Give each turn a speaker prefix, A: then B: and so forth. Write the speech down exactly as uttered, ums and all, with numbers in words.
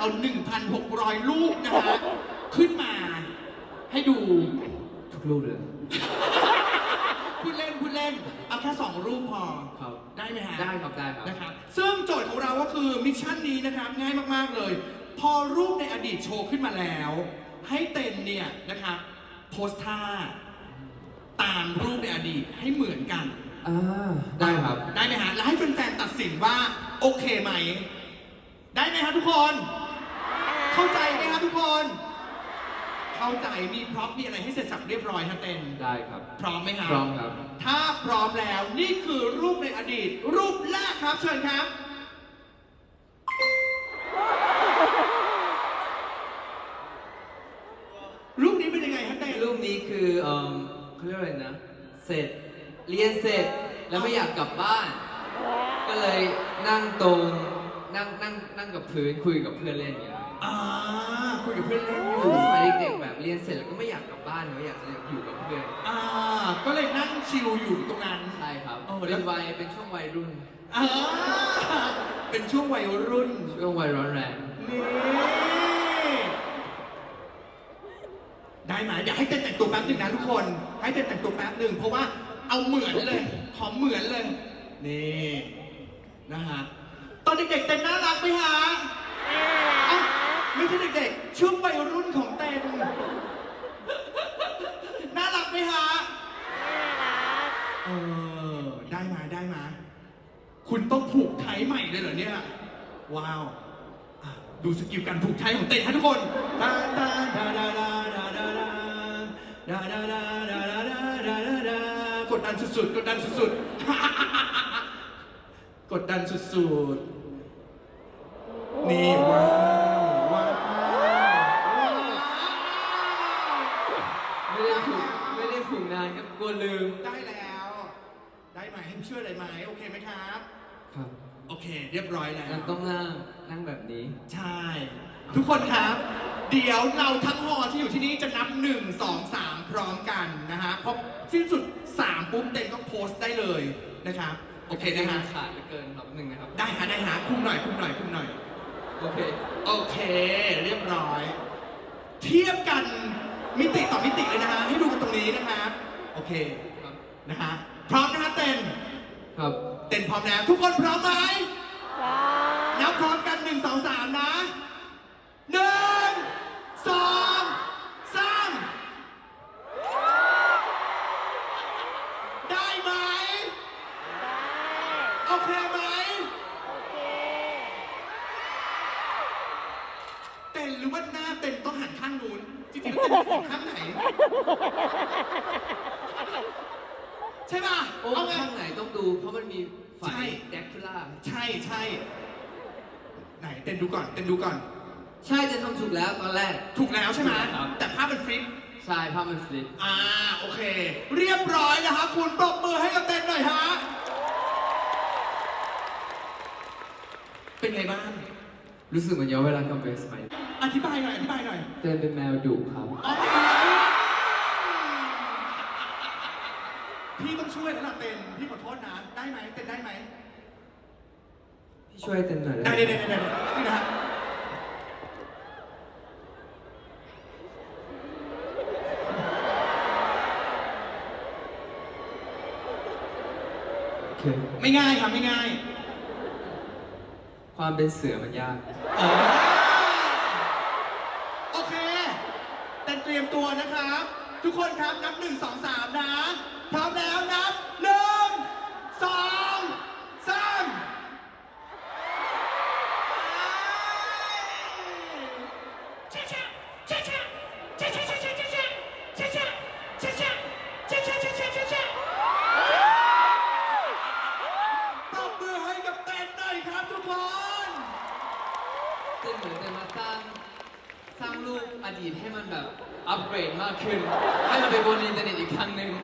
A: เอา หนึ่งพันหกร้อย รูปนะฮะขึ้นมาให้ดู
B: ทุกรูปเลย
A: พูดเล่นพูดเล่นเอาแค่สองรูปพอ
B: ครับ
A: ได้ไหมฮะ
B: ได้ครับได้ครับ
A: นะครับซึ่งโจทย์ของเราก็คือมิชชั่นนี้นะครับง่ายมากๆเลย พอรูปในอดีตโชว์ขึ้นมาแล้ว ให้เต็นเนี่ยนะครับโพสท่าตามรูปในอดีตให้เหมือนกัน
B: อ่าได้ครับ
A: ได้ไหมฮะแล้วให้แฟนๆตัดสินว่าโอเคไหม ได้ไหมครับทุกคน เข้าใจไหมครับทุกคน เข้าใจมีพร็อพมีอะไรให้เสร็จสับเรียบร้อยฮะเต็น
B: ได้ครับ
A: พร้อมไหมครับ
B: พร้อมครับ
A: ถ้าพร้อมแล้วนี่คือรูปในอดีต รูปแรกครับเชิญครับ รูปนี้เป็นยังไงฮะเต้
B: รูปนี้คือเอ่อเขาเรียกอะไรนะ เสร็จ เรียนเสร็จ แล้วไม่อยากกลับบ้าน ก็เลยนั่งตรง นั่งนั่งนั่งกับพื้นคุยกับเพื่อนเล่นอย่างเงี้ย
A: อ่าคุยกับเพื่อนเล่นอ
B: คื
A: ยู่
B: อสมัยเด็กๆแบบเรียนเสร็จแล้วก็ไม่อยากกลับบ้านเนอะอยากจะอยู่กับเพื่อน
A: อ่าก็เลยนั่งชิลอยู่ตรงนั้น
B: ใช่ครับ
A: โอ้แล้
B: เป็
A: ว
B: นวัยเป็นช่วงวัยรุ่น
A: อ่าเป็นช่วงวัยรุ่น
B: ช่วงวัยร้อนแรง
A: นี่ได้ไหมเดี๋ยวให้เต้นแต่งตัวแป๊บหนึ่งนะทุกคน ให้เต้นแต่งตัวแป๊บหนึ่งเพราะว่าเอาเหมือนเลยขอเหมือนเลย นี่นะฮะตอนเด็กๆเต้นน่ารักไหมฮะอ่ะไม่ใช่เด็กๆช่วงวัยรุ่นของเต้นน่ารักไหมฮะเออได้มาได้มาคุณต้องผูกไทยใหม่เลยเหรอเนี่ยว้าวอ่ะดูสกิลการผูกไทยของเต้นฮะทุกคนดาดาดาดาดาดาดาดาดาดาดาดาดาดาดาดาดากดดันสุดๆกดดันสุดๆ กดดันสุดๆ นี่ว้าวว้าวว้าว
B: ไม่ได้ฝึกไม่ได้ฝึกนานครับกลัวลืม
A: ได้แล้ว ได้ไหมให้ช่วยอะไรไหมโอเคไหมครับ
B: ครับ
A: โอเค เรียบร้อยแล้ว
B: งั้นต้องนั่งนั่งแบบนี้
A: ใช่ ทุกคนครับ เดี๋ยวเราทั้งหอที่อยู่ที่นี่จะนับหนึ่งสองสามพร้อมกันนะฮะพอสิ้นสุดสามปุ๊บเต็มก็โพสต์ได้เลยนะครับ โอเคนะฮะ
B: ขาดเหลือเกินครับหนึ่งนะครับ
A: ได้ฮะได้ฮะคุมหน่อยคุมหน่อยคุมหน่อย
B: โอเค
A: โอเค เรียบร้อย เทียบกันมิติต่อมิติเลยนะฮะให้ดูกันตรงนี้นะครับโอเค
B: ครับ
A: นะฮะพร้อมนะฮะเต้น
B: ครับ
A: เต้นพร้อมแล้วทุกคนพร้อมไหมนับพร้อมกันหนึ่งสองสามนะหนึ่งสองสามได้ไหมโอเคไหมเต้นหรือว่าหน้าเต้นต้องหันข้างนู้นจริงๆแล้วเต้นหันข้างไหน ใช่ป่ะ
B: โอ้
A: เอาไง
B: ข้างไหนต้องดู เพราะมันมีไฟ
A: ใช่
B: แดกคูล่า
A: ใช่ใช่ไหนเต้นดูก่อนเต้นดูก่อน
B: ใช่จะทำถูกแล้วตอนแรก
A: ถูกแล้วใช่ไหม
B: ครับ
A: แต่ภาพเป็นฟลิป
B: ใช่ภาพมันฟลิป
A: อ่าโอเค เรียบร้อยนะครับคุณปรบมือให้กับเต้นหน่อยฮะเป็นไงบ้าง
B: รู้สึกเหมือนย้อนเวลากลับไปสมัย
A: อธิบายหน่อยอธิบายหน่อย
B: เต้นเป็นแมวดุครับ
A: อ๋อพี่ต้องช่วยแล้วล่ะเต้นพี่ขอโทษนะได้ไหมเต้นได้ไหม
B: พี่ช่วยเต้นหน่อย
A: ได้
B: ได้
A: ได้
B: ไหม
A: ได้ได้นี่นะฮะ
B: โอเค
A: ไม่ง่ายครับไม่ง่าย
B: ความเป็นเสือมันยาก
A: เออโอเคเต้นเตรียมตัวนะครับ ทุกคนครับนับหนึ่งสองสามนะพร้อมแล้วนับหนึ่งสองสามปรบมือให้กับเต้นหน่อยครับทุกคน
B: เต้นเหมือนจะมาสร้างสร้างรูปอดีตให้มันแบบอัปเกรดมากขึ้น ให้มันไปบนอินเทอร์เน็ตอีกครั้งหนึ่ง